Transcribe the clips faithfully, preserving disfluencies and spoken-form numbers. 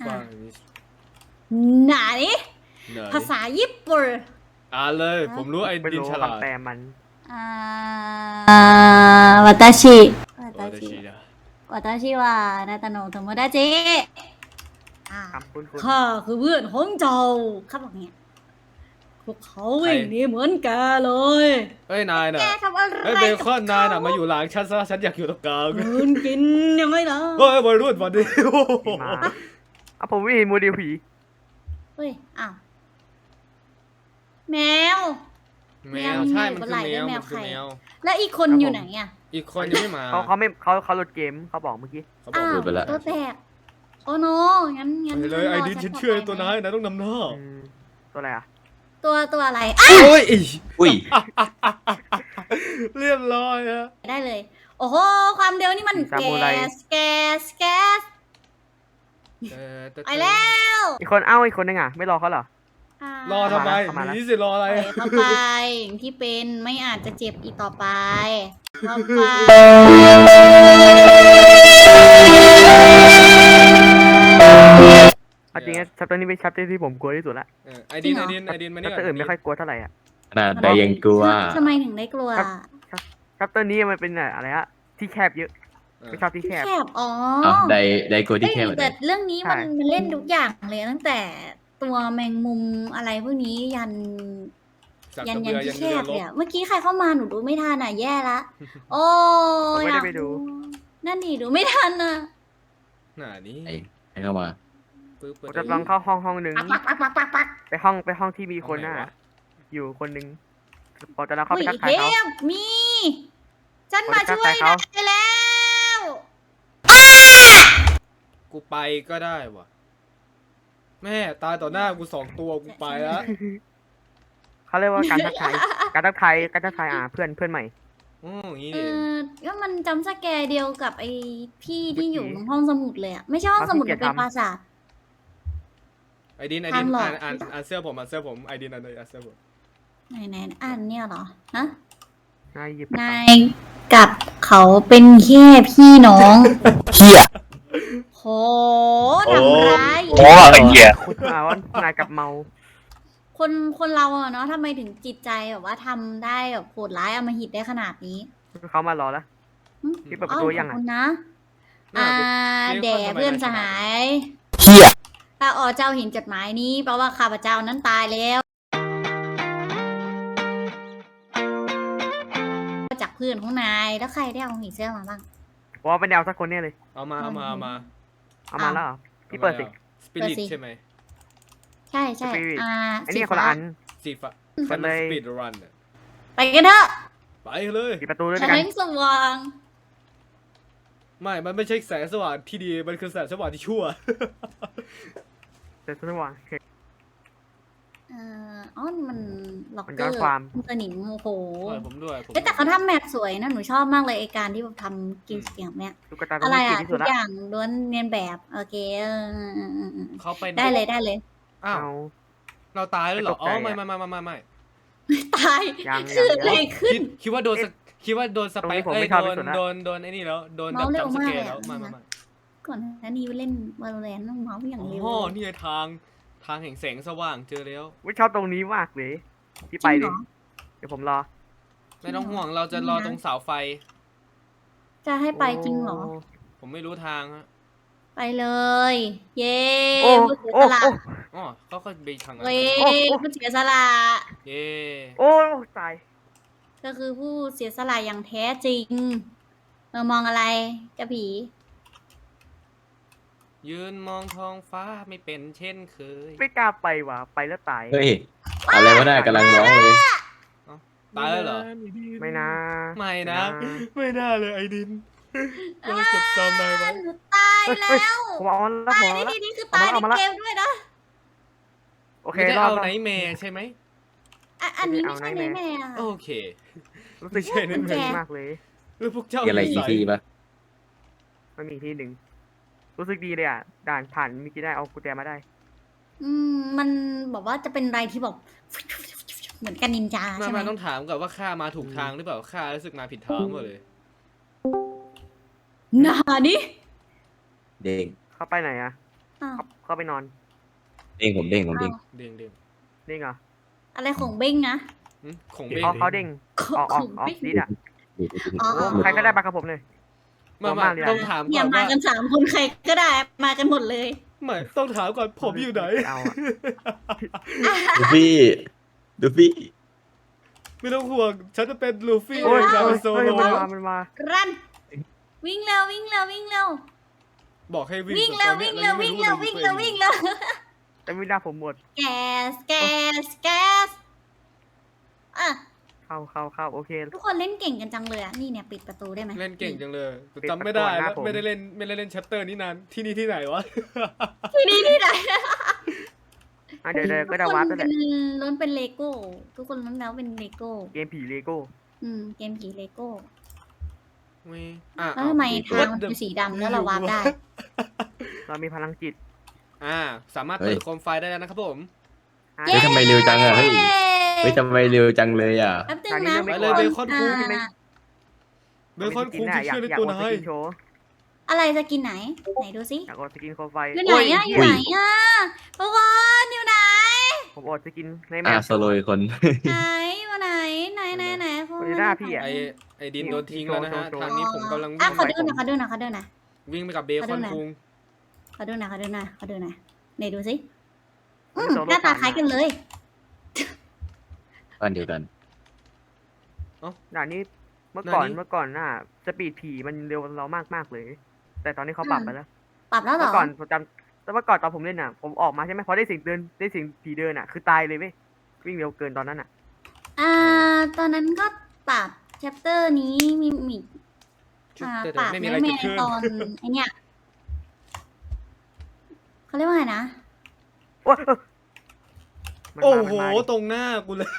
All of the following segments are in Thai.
ฟังอันนี้หนานี่ไหนภาษาญี่ปุ่นอ่านเลยผมรู้ไอ้ไม่ดินรู้ฉลาดคำแปลมันอ่าวาตาชิวาโอ้ตาแต่ชิชีนะวาตาชิวานาตาโนะโทโมดาจิอ่าคำคุ้นๆข้าคือเพื่อนของเจ้าข้าบอกเนี่ยพวกเขาวิ่งหนีเหมือนแกเลยเฮ้ยนายน่ะแกทำอะไรเฮ้ยเบคอนนายน่ะมาอยู่หลังฉันซะฉันอยากอยู่ตรงกลางเดินกินยังไงล่ะเฮ้ยวัยรุ่นวันนี้ผีมาเอาผมไม่เห็นโมเดลผีเฮ้ยอ้าวแมวแมวใช่มันคือแมวแมวมันคือใครแมวแล้วอีกคนอยู่ไหนอ่ะอีกคนยังไม่มาเขาเขาไม่เขาเขาหลุดเกมเขาบอกเมื่อกี้เขาบอกอ้าวหลุดไปแล้วตัวแตกโอ้โนงั้นงั้นไปเลยไอ้ดินรฉันต่เชื่อไปตัวนายนายต้องนำหน้าอืมตัวอะไรอ่ะตัวตัวอะไรอ่ะโอ้ยอีอุ้ยเรียบร้อยฮะได้เลย โอ้โหความเร็วนี่มันแกสแกสแกสเออแต่ไปแล้วอีกคนเอ้าอีกคนนึงอ่ะไม่รอเขาเหรอรอทำไมเข้ามาแล้วหนีสิรออะไรปล่อยเข้าไปอย่างที่เป็นไม่อาจจะเจ็บอีกต่อไปเข้าไปเอาจริงนะชัปเตอร์นี้เป็นชัปเตอร์ที่ผมกลัวที่สุดละเออไอดินไอดินไอดินมาชันี่ปเตอร์อื่นไม่ค่อยกลัวเท่าไหร่อ่ะขนาดใดยังกลัวทำไมถึงได้กลัวชัปเตอร์นี้มันเป็นอะไรอะที่แคบเยอะไม่ชอบที่แคบแคบอ๋ออ้าวใดใดกลัวเอ้ที่ยแค่ไหนแต่เรื่องนี้มันใช่มันเล่นทุกอย่างเลยตั้งแต่ตัวแมงมุมอะไรพวกนี้ยันสักยันกระยัเบืนอยัที่นแคเรือบ รเลบยอะเมื่อกี้ใครเข้ามาหนูดูไม่ทันอ่ะแย่ละ โอ้ผมไม่ได้อยากไปดูนั่นดิดูไม่ทันอ่ะหน้านี้ไอ้ให้เข้ามาปึ๊บผมจะลองเข้าห้องห้องหนึ่งปักปักปักปักปักไปห้องไปห้องที่มีคนน่ะห้องไหวอยู่คนหนึ่งผมจะลองเข้าอุ้ไปยทักทายเทเขาพมีฉันผมมาจะช่วยทันากทายเขายแล้วกูไปก็ได้วะแม่ตายต่อหน้ากูสองตัวกูไปแล้วเขาเรียกว่าการทักทายการทักทายการทักทายอ่าเพื่อนเพื่อนใหม่โอ้อย่างนี้เอดิอก็มันจำสแกร์เดียวกับไอ้พี่ที่อยู่เมื่อกี้ตรงห้องสมุดเลยอะไม่ใช่ห้องสมุดมันเป็นปราสาทไอดินไอดินทางหลอกอ่านอ่านอ่านเสื้อผมอ่านเสื้อผมไอดินอ่านเลยอ่านเสื้อผมไหนไหนอ่านเนี่ยเหรอฮะนายหยิบนายกับเขาเป็นแค่พี่น้องเฮียโหทำร้ายโอ้เฮียคุณมาว่านายกับเมาคนคนเราอะเนาะทำไมถึงจิตใจแบบว่าทำได้แบบโหดร้ายอำมหิตได้ขนาดนี้เขามารอแล้วหึพี่เปิดประตูยังขอะอบคุณนะน่าอ่าจะแด่เพื่อนสหายเฮียถ้าอ๋อเจ้าเห็นจดหมายนี้แปลว่าข้าพเจ้านั้นตายแล้วจากเพื่อนของนายแล้วใครได้เอาหีเสื้อมาบ้างว่าเป็นแนวสักคนเนี่ยเลยเอามาเอามาเอามาเอามาแล้วเหรอพี่เปิดสิสปิริตเปิดสิใช่ไหมใช่ใช่ Spirit อ่าไอ้นี่สีคนละฟ้าอันสีฟ้าเปิดเลยสปีดรันไปกันเถอะไปเลยปิดประตูด้วยแสกันงสว่างไม่ มันไม่ใช่แสงสว่างที่ดี มันคือแสงสว่างที่ชั่วเดี๋ยวฉันจะวางเอ่ออ๋อนี่มันล็อกมันเกย้ออนร์ความสนิมโอ้โหด้วยผมด้วยผมเอ้ยแต่เขาทำแมปสวยนะหนูชอบมากเลยไอการที่แบบทำกินเสียงเนี้ยตุ๊กตาตัวอะไรนี้เก่อ่ะงที่ทุสุดกละอย่างล้วนเนียนแบบโอเคเออเออเออเออเขาเป็นได้เลยได้เลยอ้าวเอาเราตายแล้วเหรอไม่ตกอ๋ใจออะไม่ไม่ไม่ไม่ไม่ไม่ตายยังคือยังอะไรขึ้นคิดคิดว่าโดนสกคิดว่าโดนสตรงไปนี้ค์ผมเอ้ไม่ยชอบโดที่นสุดละโดนโดนไอ้นี่แล้ว โดนแบบเมาส์เร็วจัมป์สมากเกเลยร์แล้วอะไม่ไม่ไม่ก่อนหน้านี้เล่นวาโลแรนต์เมาส์อย่างอ๋เร็วอนี่ไงทาง ทางแห่งแสงสว่างเจอแล้ววิชอบตรงนี้มากเลยพี่ไปจริดิงเหรอเดี๋ยวผมรอไม่ต้องห่วง เราจะรอตรงเสาไฟจะให้ไปจริงเหรอผมไม่รู้ทางฮะไปเลย เย้โอ้ผู้เสียโอ้สละโอ้อ๋อเขาก็ไปทางนั้นเว้ยโอ้โอ้ผู้เสียสละเย่โอ้ตายก็คือผู้เสียสละอย่างแท้จริงเออมองอะไรกระผียืนมองท้องฟ้าไม่เป็นเช่นเคยไม่กล้าไปว่ะไปแล้วตายเฮ้ยอะไรวะน่ากำลังร้องเลยตายแล้วเหรอไม่นะไม่นะไม่นะไม่น่าเลยไอ้ดินเราจดจำนายไว้หนูตายแล้วผมเอาแล้วตาผยมในเอาแล้วที่นี้คือตายเอาในมาละเกมด้วยนะโอเคไม่ได้รอเอาบไนท์แมร์ใช่ไหมอ่ะอันนี้ไม่เอาใช่ไหนในแม่แม่อะโอเครู้สึกไม่ใช่นั่นเจ๋งมากเลยแล้วพวกเจ้ามีอะไรอีกทีปะมันมีที่หนึ่งรู้สึกดีเลยอ่ะด่านผ่านเมื่อกี้ได้เอากุญแจมาได้อืมมันบอกว่าจะเป็นอะไรที่แบบเหมือนกันนินจามาใช่ไหมมาต้องถามก่อนว่าข้ามาถูกทางหรือเปล่าข้ารู้สึกมาผิดทางหมดเลยนานี่เด้งเข้าไปไหนอ่ะอ้าวเข้าเข้าไปนอนเด้งผมเด้งผมเด้งอ้าวเด้งเด้งเด้งเหรออะไรของเบ้งนะหึของเบ้งเขาเขาเด้งขออกอออกงออกเบ้งดิดอ่ะดูดูดูอ๋อโอ้ใครก็ได้มากับผมเลยมาตัวมามากเลยอะต้องถามเนี่ก่ยอนมาว่ากันสามคนใครก็ได้มากันหมดเลยไม่ต้องถามก่อนผมอยู่ไหนเอาอะดูฟี่ดูฟี่ไม่ต้องห่วง ฉันจะเป็นลูฟี่โอ้ยเองโอ้เป็นยโซโอ้ยโลมันมามันมารันวิ่งเร็ววิ่งเร็ววิ่งเร็วบอกให้วิ่งวิ่งเร็ววิ่งเร็ววิ่งเร็ววิ่งเร็ววิ่งเร็วแต่ไม่ได้ผมหมดแกสแกสแกสอ่ะเข้าเข้าเข้าโอเคทุกคนเล่นเก่งกันจังเลยอ่ะนี่เนี่ยปิดประตูได้ไหมเล่นเก่งจังเลยปิดจำไม่ได้ประตูหน้าแล้วผมไม่ได้เล่นไม่ได้เล่นแชปเตอร์นี้นานที่นี่ที่ไหนวะที่นี่ที่ไหนอ่ะเดี๋ยวเดี๋ยวก็ได้ทุวัดคแล้วนแหเป็ละนล้วนเป็นเลโก้ทุกคนล้วนแล้วเป็นเลโก้เกมผีเลโก้อืมเกมผีเลโก้ไม่อ่ะแล้วทำไมเอาทางมันเป็นสีดำแล้วเราวาร์ปได้เรามีพลังจิตอ่า สามารถเปิดโคมไฟได้แล้วนะครับผมอ่ะเฮ้ยทำไมเร็วจังอะเฮ้ยเฮ้ยทำไมเร็วจังเลยอ่ะแป๊บนึงตอนนี้นะยังไม่ไปเลยเบคอนคุงอ่าเบคอนคุงอยาที่กเชื่อในอยากตัวอดสนายกินโชว์อะไรจะกินไหน ไหนดูสิอยากอดสกินโคมไฟอยู่ไหนอะอยู่ไหนอะทุกคนอยู่ไหนผมอดสกินในแมอ่ะปโซโลอีกคนไหนอยู่ไหนไหนไหนไหนคุณคนที่หน้าพี่อะไอไอดินโดนทิ้งแล้วนะฮะโชว์ทางนี้ผมกำลังอ่ะวิ่งขอไปดูหน่อยขอดูหน่อยขอดูหน่อยวิ่งไปกับเบคอนคุงขอดูหน่อยขอดูหน่อยขอดูหน่อยไหนดูสิอืมโซโล่หน้าตาผ่านคล้ายกันเลยบ้านเดียวกันด่านนี้เมื่อก่อนเมื่อก่อนน่ะสปีดผีมันเร็วกว่าเรามากมากๆเลย แต่ตอนนี้เขาปรับไปแล้วปรับแล้วเหรเมื่ออก่อนผมจำแต่เมื่อก่อนตอนผมเล่นน่ะ ผมออกมาใช่ไหมพอได้เสียงเดินได้เสียงผีเดินอ่ะคือตายเลยเว้ยวิ่งเร็วเกินตอนนั้นอ่ะอ่าตอนนั้นก็ปรับแชปเตอร์นี้มีมีอ่าแต่ปรับไม่มีไม่อะไรแม่เกิดขึ้นตอนไอเนี้ยเขาเรียกว่าไงนะโอ้ยมันโอ้มาโหมันมาดิตรงหน้ากูเลย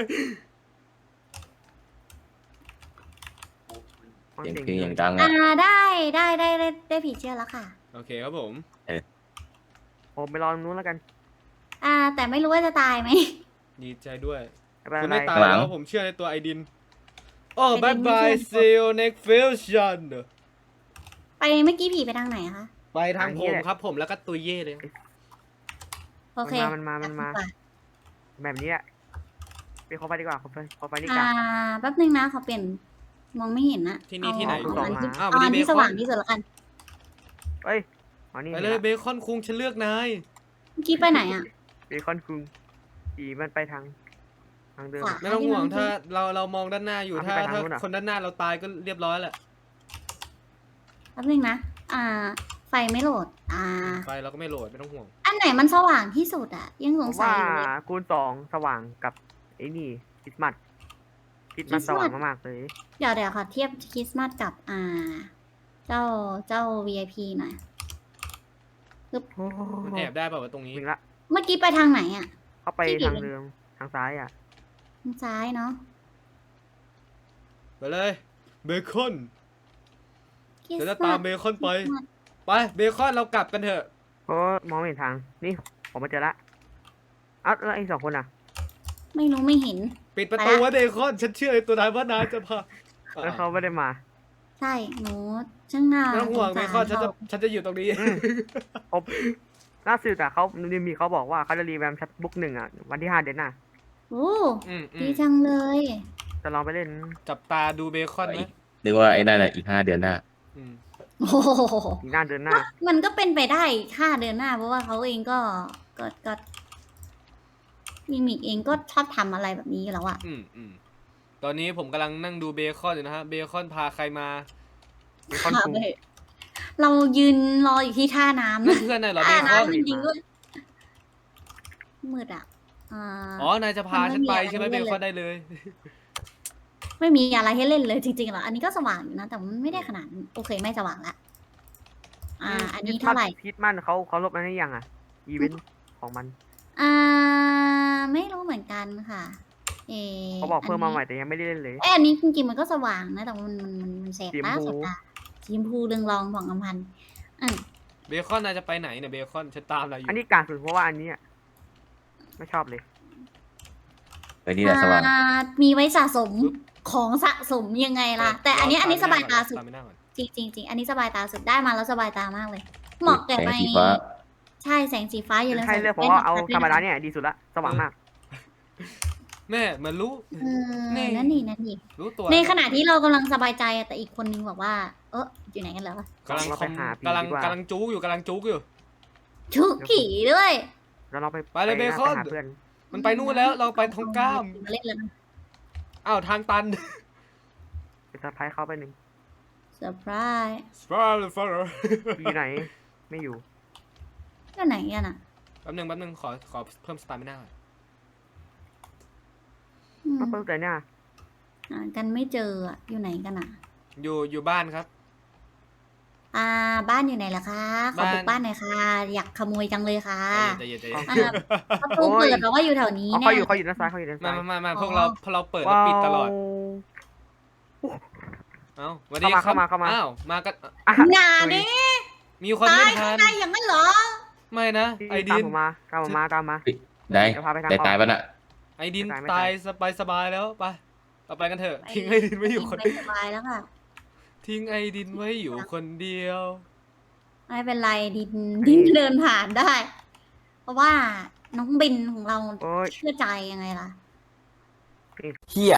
ฟังเสียงเสียงเพลงผีอย่างดังอ่าอ่ะได้ได้ได้ได้ได้ผีเชื่อแล้วค่ะโอเคครับผมผมไปรอตรงนู้นแล้วกันอ่า แต่ไม่รู้ว่าจะตายไหมดีใจด้วยไม่เป็นคุณไรไม่ตายแล้วผมเชื่อในตัวไอดิน โอ้บายบาย see you next fusion ไปเมื่อกี้ผีไปทางไหนอะคะไปทางผมครับผมแล้วก็ตุยเย่เลยโอเคมันมามันมาไปแบบนี้อะไปขอไฟดีกว่าขอไฟขอไฟดีกอ่าว่าแป๊บนึงนะขอเปลี่ยนมองไม่เห็นนะที่นี่ที่ไหนเอาเอาอันที่อ้าวเอาอันวันนี้ที่เบคอนสว่างที่สุดแล้วกันเอ้ยอ๋อนี่ไปเลยเบคอนคุงฉันเลือกนายเมื่อกี้ไปไหนอ่ะเบคอนคุงผีมันไปทางทางเดิมขวาอะไม่ต้องห่วงถ้าเราเรามองด้านหน้าอยู่เอาถ้าไปทางถ้านู้นอะคนด้านหน้าเราตายก็เรียบร้อยแหละแป๊บนึงนะ อ่า ไฟไม่โหลด อ่าไฟเราก็ไม่โหลดไม่ต้องห่วงอันไหนมันสว่างที่สุดอ่ะ ยังสผงมสัยว่าอยู่เลยคูณสองสว่างกับไอ้นี่คริสต์มาสคริสต์มาสคริสต์สมาสว่างมากๆเลยเดี๋ยวเดี๋ยวขอเทียบคริสต์มาสกับ อ่า เจ้าเจ้า วี ไอ พี หน่อยโอ้โหมันแอบได้เปล่าวะตรงนี้ถึงละเมื่อกี้ไปทางไหนอ่ะเข้าไปที่ผิดทางเดิมทางซ้ายอ่ะทางซ้ายเนาะไปเลยเบคอนคริสเดี๋ยวจะต์ตามมาสเบคอนไปคริสต์มาสไปเบคอนเรากลับกันเถอะเพราะมองไม่เห็นทางนี่ผมมาเจอละเอ้าแล้วไอ้สองคนอ่ะไม่รู้ไม่เห็นปิดประตูไว้เบคอนฉันเชื่อในตัวนายว่านายจะพาแล้วเขาไม่ได้มาใช่ หนูช่างน่าไม่ต้องห่วงสเบสารคอนฉันจะเขาฉันจะอยู่ตรงนี้อืม ผมล่าสุดอะเขามีเขาบอกว่าเขาจะรีแวมชัดบุ๊กหนึ่งอะวันที่ห้าเดือนหน้าโอ้อืมอืดีมจังเลยจะลองไปเล่นจับตาดูเบคอนไหมนึกว่าไอ้นั่นน่ะอีกห้าเดือนหน้าอืมโอ้โหอีกหน้าเดือนหน้ามันก็เป็นไปได้ค่าเดือนหน้า เพราะว่าเขาเองก็ก็ก็มิมิกเองก็ชอบทำอะไรแบบนี้อยู่แล้วอะอืมอืมตอนนี้ผมกำลังนั่งดูเบคอนอยู่นะฮะเบคอนพาใครมามีคอนคุงเรายืนรออยู่ที่ท่าน้ำนั่นะนเพื่อนนายเหรอเบท่าคอนน้ำจริงๆด้วยมืดอะอ่าอ๋อนายจะพาฉันไปมันไม่มีใช่ไหมอะไรเบให้เล่นคอนได้เลยไม่มีอะไรให้เล่นเลยจริงๆหรออันนี้ก็สว่างอยู่นะ แต่มันไม่ได้ขนาดนั้นโอเคไม่สว่างละอ่า อันนี้เท่าไหร่พิทมันเขาเขาลบมันให้ยังอะอีเวนต์ของมันอ่า ไม่รู้เหมือนกันค่ะ เออเขาบอกเพิ่มมาใหม่นนี้แต่ยังไม่ได้เล่นเลยเอ้ยอันนี้จริงๆมันก็สว่างนะ แต่มันมันมันมันแสบสีชมตาพูแสบตาสีชมพูเรืองรองผ่องอำพันธ์อืมเบคอนนายจะไปไหนเนี่ยเบคอนฉันตามนายอยู่อันนี้กากสุดเพราะว่าอันนี้อะไม่ชอบเลยเออนี่แหละสว่างอ่มีไว้สะสมของสะสมยังไงล่ะ แต่อันนี้อันนี้สบายตาสุดตามไปหน้าก่อนจริงจริงจริงอันนี้สบายตาสุดได้มาแล้วสบายตามากเลย เหมาะแก่แสงไปสีฟ้าใช่แสงสีฟ้าอยู่แล้วให้เลือกเพราะว่าเอาธรรมดาเนี่ยดีสุดละสว่างมากแม่เหมันรู้เออนี่นั่นนี่นั่นนี่รู้ตัวในขณะที่เรากำลังสบายใจอะแต่อีกคนนึงบอกว่า เอออยู่ไหนกันแล้ววะกำลังเราคไปอมหาผีกำลังดีกว่ากำลังจุกอยู่กำลังจุกอยู่ชุกผีด้วยแล้วเราไปไปเลยหาเบคอนไปหาเพื่อนมันไปนู่นแล้วเราไปทองก้ามมาเล่นแล้วนะอ้าวทางตันไปเซอร์ไพรส์เขาไปหนึ่งเซอร์ไพรส์สปาร์ฟอร์อยู่ไหนไม่อยู่ก็ไหนกันอ่ะแป๊บหนึงแป๊บหนึงขอขอเพิ่มสตาร์ไม่น่าอืมมาเพิ่มแต่เนี่ยหากันไม่เจออะอยู่ไหนกันอ่ะอยู่อยู่บ้านครับอ่า บ้านอยู่ไหนล่ะคะ ขอบุกบ้านบ้านหน่อยค่ะ อยากขโมยจังเลยค่ะใจเย็นใจเย็นใจอ่าเย็นประตูเปิดแล้วว่าอยู่แถวนี้อ๋อแน่เขาอยู่เขาอยู่ด้านซ้ายเขาอยู่ด้านมาซ้ายมามามาพวกเราพอเราเปิดเราปิดตลอด เอ้าสวัสดีเข้ามาครับเข้ามาเข้ามาอ้าวมากันอ่ะงานนี้มีคนตาไม่ยทัข้างนในอย่างนั้นเหรอไม่นะไอตาดิมนผมมาตามผมมาตามมาได้เดี๋ยวพาไปทางแต่ออกตายปะน่ะไอดินไม่ตายไม่ตาตาย ยสบายสบายแล้วไปเราไปกันเถอะไปทิ้งไอดินไว้อยู่คนไปเดียวสบายแล้วค่ะทิ้งไอดินไว้อยู่คนเดียวไม่เป็นไรดินดินเดินผ่านได้ เพราะว่าน้องบินของเราโอ้ยเชื่อใจยังไงล่ะเฮีย